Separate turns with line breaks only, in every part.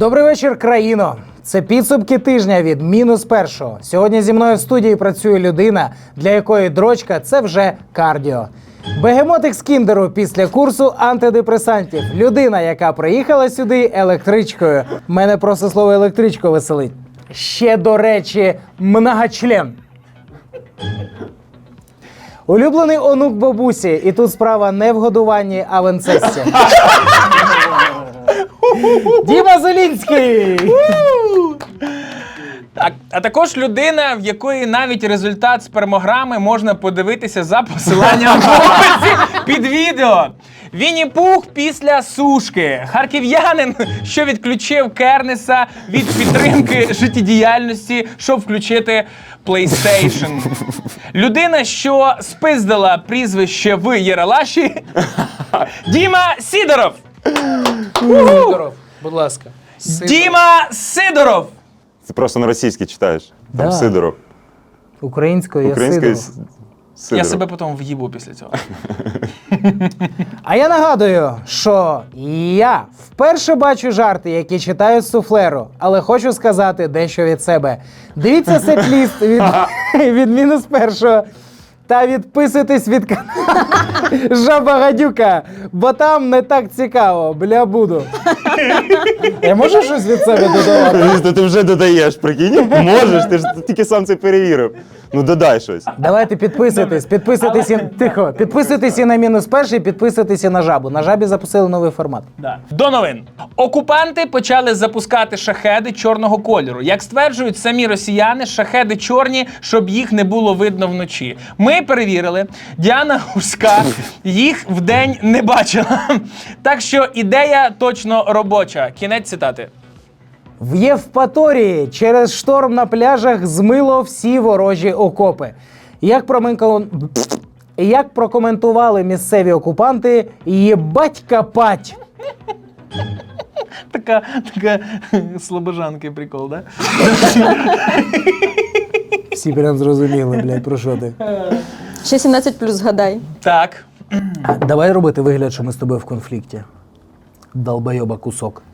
Добрий вечір, країно! Це підсумки тижня від -1. Сьогодні зі мною в студії працює людина, для якої дрочка – це вже кардіо. Бегемотик з Кіндеру після курсу антидепресантів. Людина, яка приїхала сюди електричкою. Мене просто слово електричко веселить. Ще, до речі, многочлен. Улюблений онук бабусі. І тут справа не в годуванні, а в інцесті. Діма Зелінський!
Так, а також людина, в якої навіть результат спермограми можна подивитися за посиланням в описі під відео. Вінні-Пух після сушки. Харків'янин, що відключив Кернеса від підтримки життєдіяльності, щоб включити PlayStation. Людина, що спиздила прізвище в Єралаші. Діма Сідоров.
Сидоров, будь ласка.
Діма Сидоров.
Ти просто на російській читаєш. Там
Да.
Сидоров.
Українською я
Українською
Сидоров.
Сидоров.
Я себе потім в'їбу після цього.
А я нагадую, що я вперше бачу жарти, які читаю з суфлеру, але хочу сказати дещо від себе. Дивіться сет-ліст від -1 та відписуйтесь від каналу Жаба Гадюка, бо там не так цікаво, бля, буду. Я можу щось від себе додавати?
Ти вже додаєш, прикинь? Можеш, ти ж тільки сам це перевірив. Ну додай щось.
Давайте підписуйтесь, тихо, підписуйтесь і на -1, підписуйтесь і на Жабу. На Жабі запустили новий формат.
Да. До новин. Окупанти почали запускати шахеди чорного кольору. Як стверджують самі росіяни, шахеди чорні, щоб їх не було видно вночі. Ми перевірили. Діана Гурська їх вдень не бачила. Так що ідея точно робоча. Кінець цитати.
В Євпаторії через шторм на пляжах змило всі ворожі окопи. Як прокоментували місцеві окупанти, єбать капать.
Така слабожанкий прикол, да?
Всі прям зрозуміли, блядь, про що ти.
Ще 17+, згадай.
Так.
Давай робити вигляд, що ми з тобою в конфлікті. Долбойоба кусок.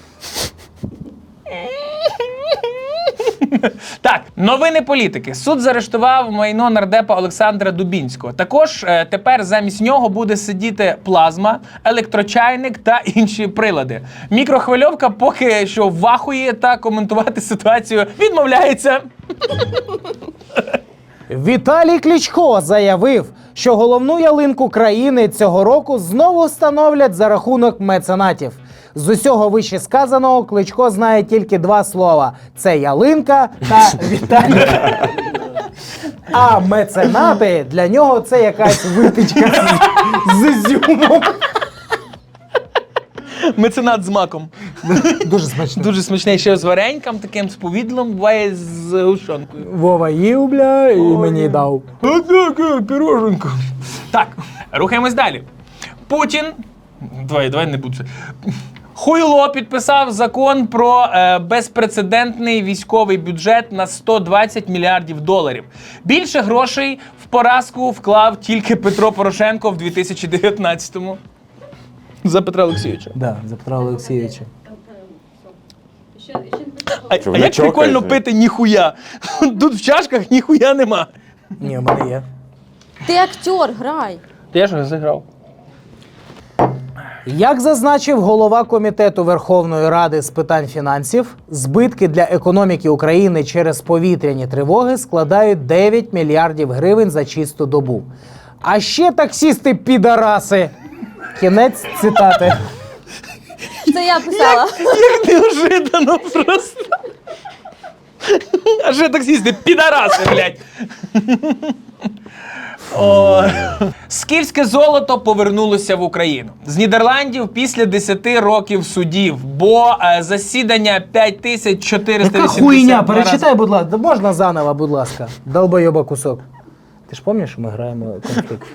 Так, новини політики. Суд заарештував майно нардепа Олександра Дубінського. Також тепер замість нього буде сидіти плазма, електрочайник та інші прилади. Мікрохвильовка поки що вахує та коментувати ситуацію відмовляється.
Віталій Кличко заявив, що головну ялинку країни цього року знову встановлять за рахунок меценатів. З усього вище сказаного Кличко знає тільки два слова – це ялинка та Віталій. А меценати для нього це якась випічка з ізюмом.
Меценат з маком.
Дуже смачно.
Дуже смачний, ще з вареньком, таким з повідлом, буває з гущонкою.
Вова їв, бля, і мені дав.
Піроженко. Так, рухаємось далі. Путін. Давай не буду. Хуйло підписав закон про безпрецедентний військовий бюджет на 120 мільярдів доларів. Більше грошей в поразку вклав тільки Петро Порошенко в 2019-му. За Петра Олексійовича.
Да, за Петра Олексійовича.
А
ви
як прикольно
чокаєте?
пити ніхуя? Тут в чашках ніхуя нема.
Ні, в мене є.
Ти актер, грай.
Ти я ж зіграв.
Як зазначив голова Комітету Верховної Ради з питань фінансів, збитки для економіки України через повітряні тривоги складають 9 мільярдів гривень за чисту добу. А ще таксісти-підараси. Кінець цитати.
Це я писала.
Як неожиданно просто. А ще таксісти, підараси, блядь. О. Скіфське золото повернулося в Україну. З Нідерландів після 10 років судів, бо засідання 5482
Яка хуйня? Перечитай, будь ласка. Можна заново, будь ласка. Долбойоба кусок. Ти ж пам'ятаєш, що ми граємо конфлікт?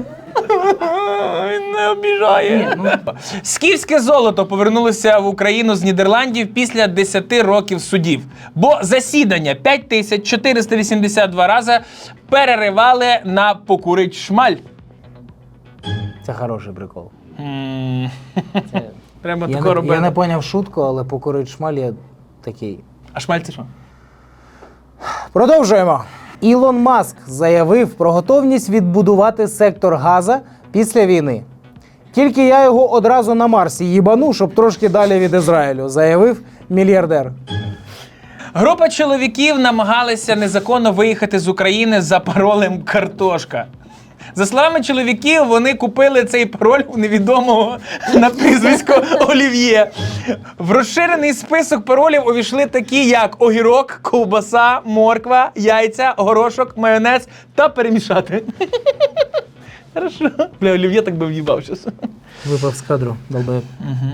Він не обіжає. Скіфське золото повернулося в Україну з Нідерландів після 10 років судів. Бо засідання 5482 рази переривали на покурить шмаль.
Це хороший прикол.
Треба
Я
тако
не,
робити.
я не поняв шутку, але покурить шмаль я такий.
А шмаль це що?
Продовжуємо. Ілон Маск заявив про готовність відбудувати сектор Газа після війни. Тільки я його одразу на Марсі їбану, щоб трошки далі від Ізраїлю, заявив мільярдер.
Група чоловіків намагалися незаконно виїхати з України за паролем «Картошка». За словами чоловіків, вони купили цей пароль у невідомого на прізвисько Олів'є. В розширений список паролів увійшли такі, як огірок, ковбаса, морква, яйця, горошок, майонез та перемішати. Хорошо. Бля, Олів'є так би в'їбав щас.
Випав з кадру, долбоєб.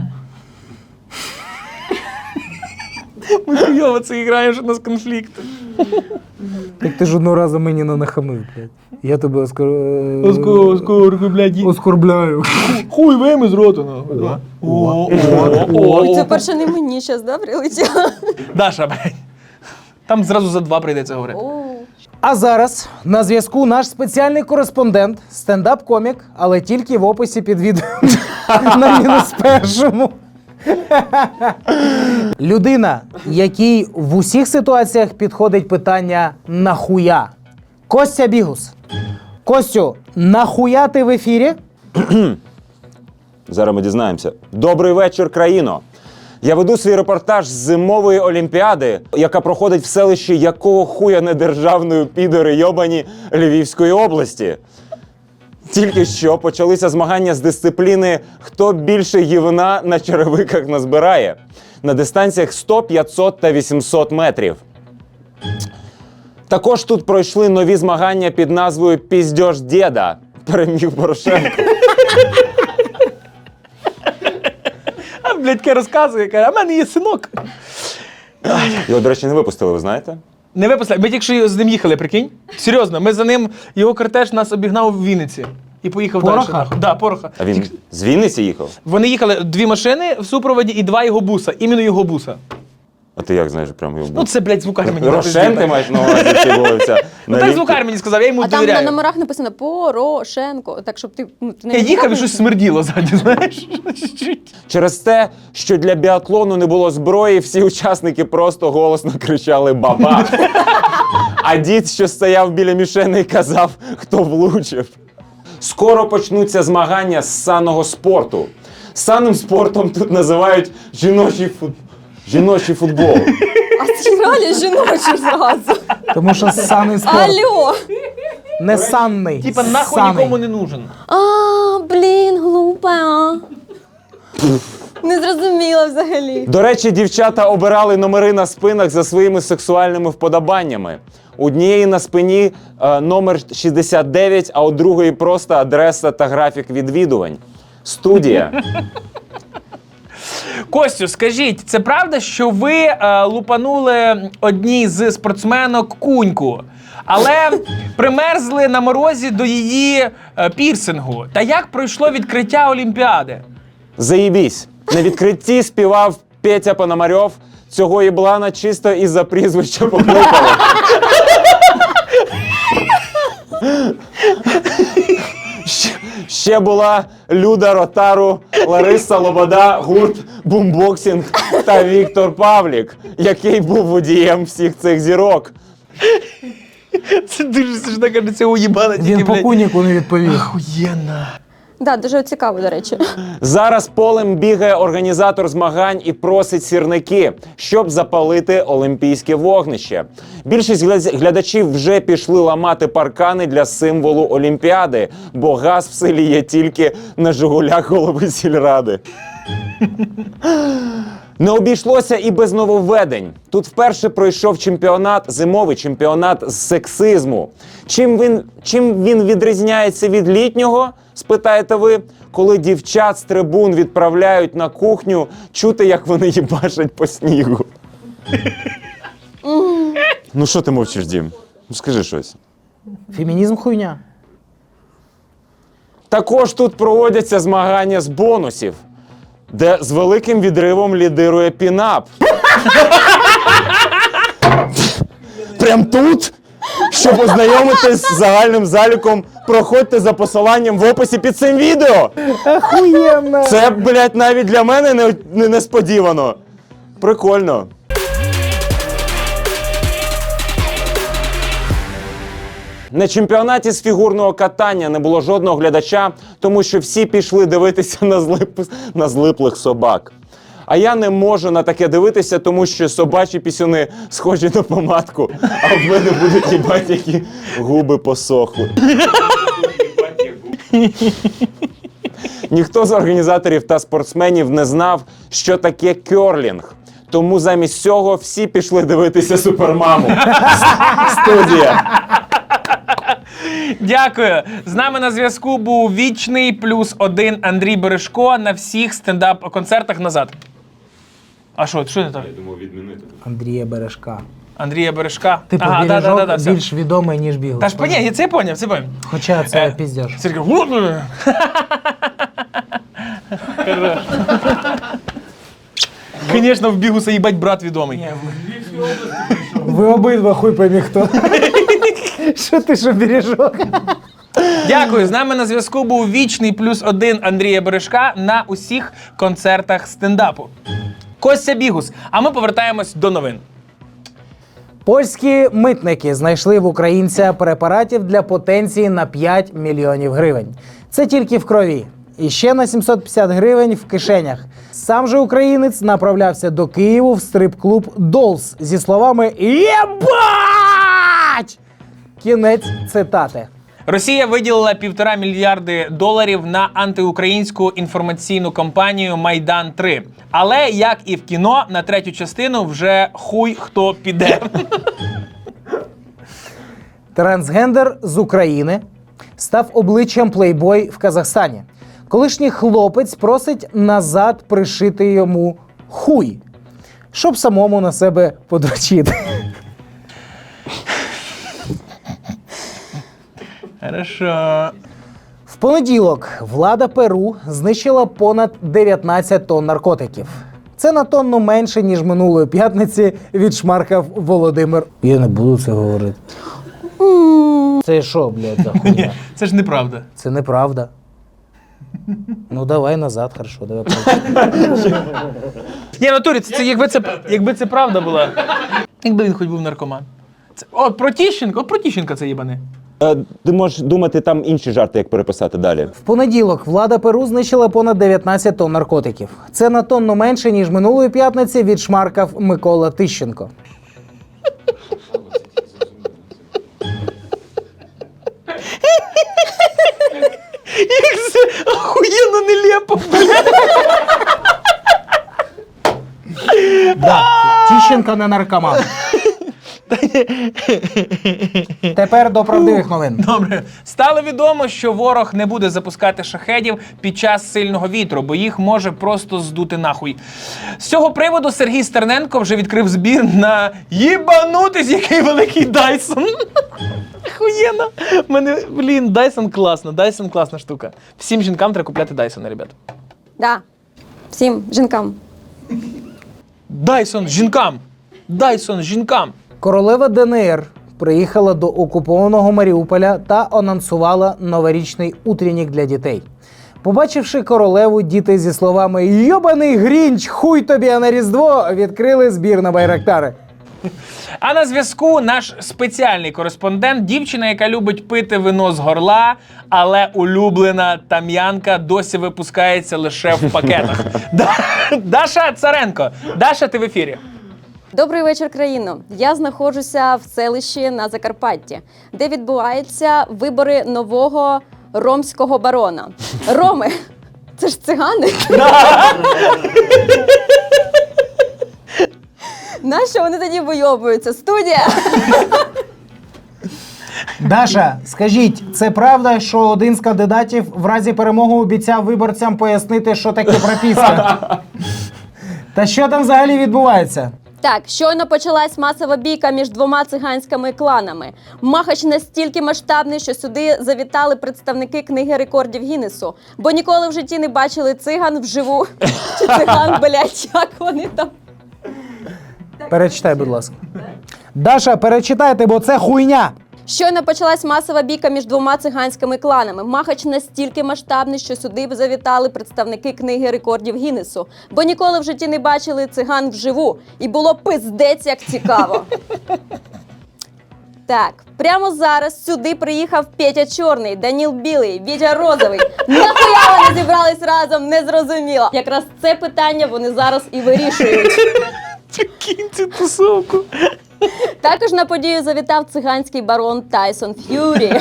Ми хуйово це граємо, що у нас конфлікт.
Так ти ж одного разу мені не нахамив, блядь. Я тебе
Оскорку, блядь.
оскорбляю.
Хуй вийми з рота, нахуй.
Ой, це перше не мені зараз, да, прилетіло?
Даша, блядь. Там зразу за 2 прийдеться говорити.
О,
А зараз на зв'язку наш спеціальний кореспондент, стендап-комік, але тільки в описі під відео на мінус першому. Людина, якій в усіх ситуаціях підходить питання «нахуя?». Костя Бігус. Костю, нахуя ти в ефірі?
Зараз ми дізнаємося. Добрий вечір, країно! Я веду свій репортаж з зимової олімпіади, яка проходить в селищі якого хуя недержавної підори йобані Львівської області. Тільки що почалися змагання з дисципліни «Хто більше гівна на черевиках назбирає» на дистанціях 100, 500 та 800 метрів. Також тут пройшли нові змагання під назвою «Піздьош дєда» переміг Порошенко.
А, блядь, таке розказує, каже, а в мене є синок.
Його, до речі, не випустили, ви знаєте?
Не випустили. Ми тільки що з ним їхали, прикинь? Серйозно, ми за ним, його кортеж нас обігнав в Вінниці. І поїхав
Пороха?
далі. Да, Пороха.
А він з Вінниці їхав?
Вони їхали 2 машини в супроводі і 2 його буса. Іменно його буса.
А ти як знаєш, прямо його
Ну це, блядь, звукар мені.
Рошен ти маєш на увазі, чи вулиця?
Ну так звукар мені сказав, я йому
а там на
довіряю.
номерах написано Порошенко, так щоб ти не
Я їхав і щось смерділо ззаді, знаєш?
Через те, що для біатлону не було зброї, всі учасники просто голосно кричали «Баба!». А дід, що стояв біля мішени, казав, хто влучив. Скоро почнуться змагання з санного спорту. Санним спортом тут називають жіночий футбол.
А ці реально жіночі зразу.
Тому що санний спорт.
Алло.
Не санний.
Типа нахуй
саний.
нікому не нужен.
А, блін, глупа. Не зрозуміла взагалі.
До речі, дівчата обирали номери на спинах за своїми сексуальними вподобаннями. У однієї на спині номер 69, а у другої просто адреса та графік відвідувань. Студія.
Костю, скажіть, це правда, що ви лупанули одній з спортсменок куньку, але примерзли на морозі до її пірсингу? Та як пройшло відкриття Олімпіади?
Заєбісь. На відкритті співав Петя Пономарьов. Цього єблана чисто із-за прізвища покликали. Ще була Люда Ротару, Лариса Лобода, гурт Бумбоксінг та Віктор Павлік, який був водієм всіх цих зірок.
Це дуже смішно, каже, це уїбана тільки,
Він по
блядь.
куніку не відповів.
Охуєнно.
Да, дуже цікаво, до речі.
Зараз полем бігає організатор змагань і просить сірники, щоб запалити олімпійське вогнище. Більшість глядачів вже пішли ламати паркани для символу Олімпіади, бо газ в селі є тільки на «Жигулях» голови сільради. Не обійшлося і без нововведень. Тут вперше пройшов чемпіонат, зимовий чемпіонат з сексизму. Чим він відрізняється від літнього, спитаєте ви? Коли дівчат з трибун відправляють на кухню, чути, як вони їбашать по снігу. Ну що ти мовчиш, Дім? Ну скажи щось.
Фемінізм хуйня.
Також тут проводяться змагання з бонусів, де з великим відривом лідирує пінап. Прям тут? Щоб ознайомитись з загальним заліком, проходьте за посиланням в описі під цим відео.
Охуєнно!
Це, блядь, навіть для мене не несподівано. Прикольно. На чемпіонаті з фігурного катання не було жодного глядача, тому що всі пішли дивитися на злиплих собак. А я не можу на таке дивитися, тому що собачі пісюни схожі на помадку, а в мене будуть їбать, які губи посохли. Ніхто з організаторів та спортсменів не знав, що таке кьорлінг. Тому замість цього всі пішли дивитися Супермаму. Студія.
Дякую. З нами на зв'язку був вічний +1 Андрій Бережко на всіх стендап-концертах назад. А що не так?
Андрія Бережка.
Андрія Бережка.
Типу,
Ага,
Бережок
все.
більш відомий, ніж Бігус.
Та ж ні, це я поняв.
Хоча це піздєш.
Сергій. Звісно, в Бігуса їбать брат відомий.
Ви обидва хуй поймі хто. Що ти, що Бережок?
Дякую. З нами на зв'язку був вічний +1 Андрія Бережка на усіх концертах стендапу. Костя Бігус. А ми повертаємось до новин.
Польські митники знайшли в українця препаратів для потенції на 5 мільйонів гривень. Це тільки в крові. І ще на 750 гривень в кишенях. Сам же українець направлявся до Києву в стрип-клуб «Долс» зі словами «Єбать!». Кінець цитати.
Росія виділила $1,5 мільярди на антиукраїнську інформаційну кампанію «Майдан-3». Але, як і в кіно, на третю частину вже хуй хто піде.
Трансгендер з України став обличчям плейбой в Казахстані. Колишній хлопець просить назад пришити йому хуй, щоб самому на себе подрочити.
Хорошо.
В понеділок влада Перу знищила понад 19 тонн наркотиків. Це на тонну менше, ніж минулої п'ятниці відшмаркав Володимир. Я не буду це говорити. Це що, блядь, за хуйня?
Це ж неправда.
Це неправда. Ну давай назад, хорошо, давай.
Ні, в натурі, це якби це правда була. Якби він хоч був наркоман. От про Тіщенка це їбане.
Ти можеш думати, там інші жарти, як переписати далі.
В понеділок влада Перу знищила понад 19 тонн наркотиків. Це на тонну менше, ніж минулої п'ятниці відшмаркав Микола Тищенко.
Як це охуєнно нелепо,
Да, Тищенко не наркоман. Тепер до правдивих новин.
Добре. Стало відомо, що ворог не буде запускати шахедів під час сильного вітру, бо їх може просто здути нахуй. З цього приводу Сергій Стерненко вже відкрив збір на їбанутись, який великий Дайсон. Охуєнно. Мене, Дайсон класно. Дайсон класна штука. Всім жінкам треба купляти Дайсона, ребят.
Да. Всім жінкам.
Дайсон жінкам. Дайсон жінкам.
Королева ДНР приїхала до окупованого Маріуполя та анонсувала новорічний утренник для дітей. Побачивши королеву, діти зі словами «Йобаний Грінч, хуй тобі, а на Різдво!» відкрили збір на байрактари.
А на зв'язку наш спеціальний кореспондент, дівчина, яка любить пити вино з горла, але улюблена там'янка досі випускається лише в пакетах. Даша Царенко. Даша, ти в ефірі.
Добрий вечір, країно. Я знаходжуся в селищі на Закарпатті, де відбуваються вибори нового ромського барона. Роми – це ж цигани? Нащо вони тоді вийобуються? Студія!
Даша, скажіть, це правда, що один з кандидатів в разі перемоги обіцяв виборцям пояснити, що таке прописка? Та що там взагалі відбувається?
Так, щойно почалась масова бійка між двома циганськими кланами. Махач настільки масштабний, що сюди завітали представники книги рекордів Гіннесу, бо ніколи в житті не бачили циган вживу. Чи циган, блядь, як вони там?
Перечитай, будь ласка. Даша, перечитайте, бо це хуйня.
Щойно почалась масова бійка між двома циганськими кланами. Махач настільки масштабний, що сюди б завітали представники книги рекордів Гіннесу, бо ніколи в житті не бачили циган вживу. І було пиздець як цікаво. Так, прямо зараз сюди приїхав Петя Чорний, Даніл Білий, Вітя Розовий. Нахуя вони зібрались разом, не зрозуміло. Якраз це питання вони зараз і вирішують.
Кинь цю тусовку.
Також на подію завітав циганський барон Тайсон Ф'юрі.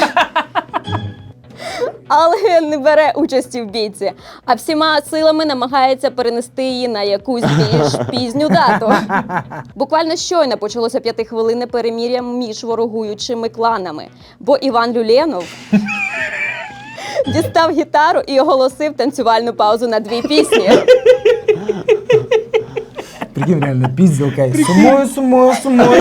Але не бере участі в бійці, а всіма силами намагається перенести її на якусь більш пізню дату. Буквально щойно почалося 5-хвилинне перемир'я між ворогуючими кланами, бо Іван Люленов дістав гітару і оголосив танцювальну паузу на 2 пісні.
Прикинь, реально, пізділка. Сумою.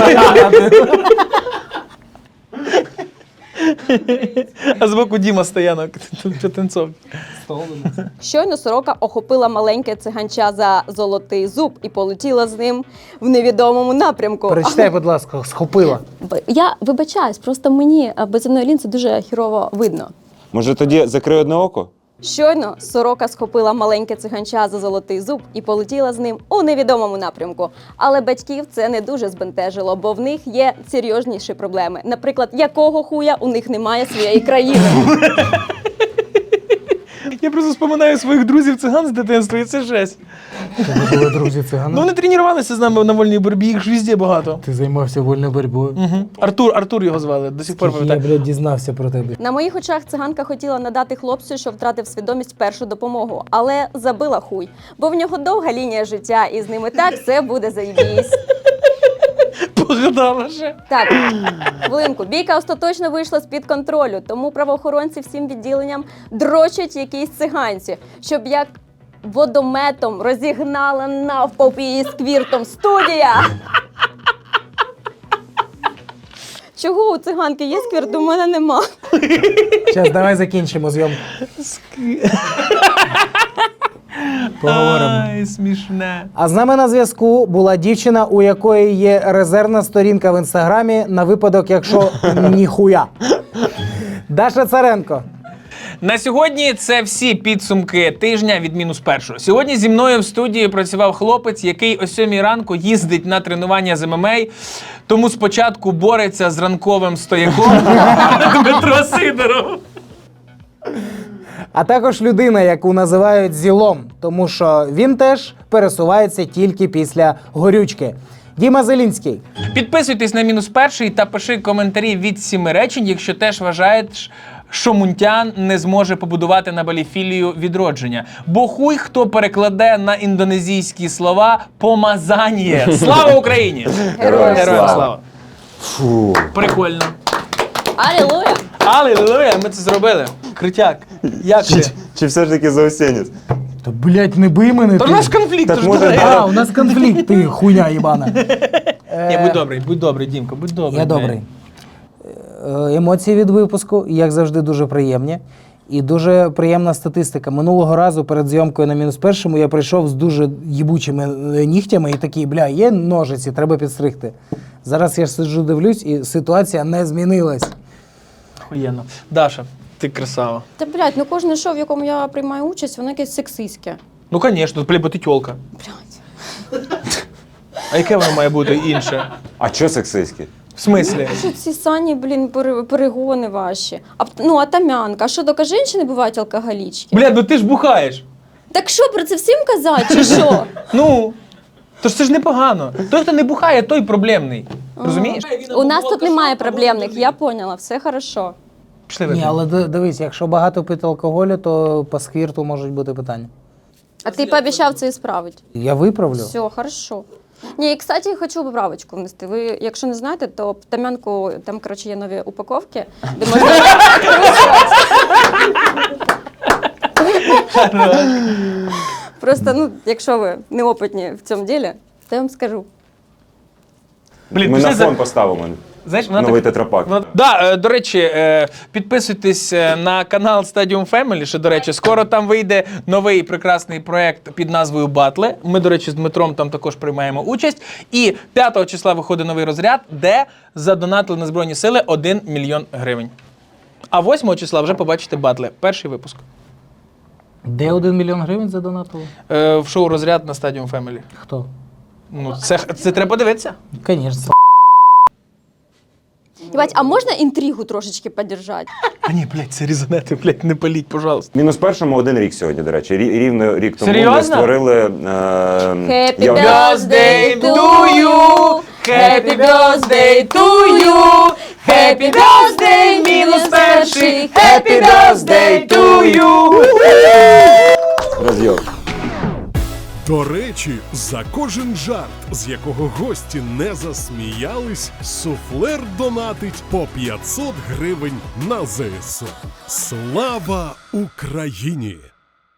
А збоку Діма Стоянок. Танцов.
Щойно сорока охопила маленьке циганча за золотий зуб і полетіла з ним в невідомому напрямку.
Перечитай, будь ласка, схопила.
Я вибачаюсь, просто мені без земної лінзи дуже хірово видно.
Може тоді закрий одне око?
Щойно сорока схопила маленьке циганча за золотий зуб і полетіла з ним у невідомому напрямку. Але батьків це не дуже збентежило, бо в них є серйозніші проблеми. Наприклад, якого хуя у них немає своєї країни.
Я просто споминаю своїх друзів-циган з дитинства, і це жесть.
Тебе були друзі
Ну,
цигани?
вони тренувалися з нами на вольній боротьбі, їх ж везде багато.
Ти займався вольною боротьбою.
Артур його звали, до сих пор
Я,
пам'ятаю.
блядь, дізнався про тебе.
На моїх очах циганка хотіла надати хлопцю, що втратив свідомість, першу допомогу, але забила хуй, бо в нього довга лінія життя, і з ними так все буде заєбісь.
Погадала ще.
Так, хвилинку. Бійка остаточно вийшла з-під контролю, тому правоохоронці всім відділенням дрочать якісь циганці, щоб як водометом розігнала навпопі її сквіртом студія. Чого у циганки є сквірт, у мене нема.
Зараз давай закінчимо зйомку. Поговоримо.
Ай, смішне.
А з нами на зв'язку була дівчина, у якої є резервна сторінка в інстаграмі на випадок, якщо ніхуя. Даша Царенко.
На сьогодні це всі підсумки тижня від -1. Сьогодні зі мною в студії працював хлопець, який о 7 ранку їздить на тренування з ММА, тому спочатку бореться з ранковим стояком Дмитро Сидоров.
А також людина, яку називають зілом, тому що він теж пересувається тільки після горючки. Діма Зелінський.
Підписуйтесь на -1 та пиши коментарі від 7 речень, якщо теж вважаєш, що Мунтян не зможе побудувати на Балі філію відродження. Бо хуй хто перекладе на індонезійські слова «помазання». Слава Україні!
Героям
слава!
Фу.
Прикольно.
Алілуя!
Алілуя, ми це зробили. Крутяк. Як ти?
Чи все ж таки заусенець?
Та, блядь, не бий мене.
Та у
ти.
нас конфлікт,
Так
тож
може,
давай.
А, у нас конфлікт, ти хуйня їбана.
Ні, будь добрий, Дімко, будь добрий.
Я добрий. Емоції від випуску, як завжди, дуже приємні. І дуже приємна статистика. Минулого разу перед зйомкою на -1 я прийшов з дуже їбучими нігтями і такий, бля, є ножиці, треба підстригти. Зараз я сиджу, дивлюсь, і ситуація не змінилась.
Охуєнно. Даша, ти красава.
Та, блядь, ну кожне шоу, в якому я приймаю участь, воно якесь сексистське.
Ну, звісно, бо ти тьолка.
Блядь.
А яке воно має бути інше?
А чо сексистське?
В смислі?
Що ці сані, блін, перегони ваші. А тамянка. А що, доки жінки бувають алкоголічки?
Бля, ну ти ж бухаєш.
Так що, про це всім казати, чи що?
Ну, то ж це ж непогано. Той, хто не бухає, той проблемний. Розумієш?
У нас тут немає проблемних, я поняла, все хорошо.
Пішли
Ні,
вип'ємо.
але дивись, якщо багато пити алкоголю, то по сквірту можуть бути питання.
А ти пообіцяв це ісправити.
Я виправлю.
Все, хорошо. Ні, і, кстати, хочу поправочку внести. Ви, якщо не знаєте, то в тамянку, там, коротше, є нові упаковки, де можна... Просто, ну, якщо ви неопитні в цьому ділі, то я вам скажу.
Блін,
Ми
пішли
на фон поставимо.
Знаєш, вона
Новий
так...
тетрапак.
До речі, підписуйтесь на канал Stadium Family, що, до речі, скоро там вийде новий прекрасний проект під назвою Батли. Ми, до речі, з Дмитром там також приймаємо участь. І 5 числа виходить новий розряд, де задонатили на Збройні Сили 1 мільйон гривень. А 8 числа вже побачите батли. Перший випуск.
Де 1 мільйон гривень задонатили?
В шоу «Розряд» на Stadium Family.
Хто?
Ну, це треба дивитися.
Звісно.
Єбать, а можна інтригу трошечки подержати?
А ні, блядь, це різанети, блядь, не паліть, пожалуйста.
Мінус першому 1 рік сьогодні, до речі. Рівно рік тому
Серйозно?
ми створили...
Happy
я-
birthday to you! Happy birthday to you! Happy birthday, мінус перший! Happy birthday to you!
Роз'єм.
До речі, за кожен жарт, з якого гості не засміялись, суфлер донатить по 500 гривень на ЗСУ. Слава Україні!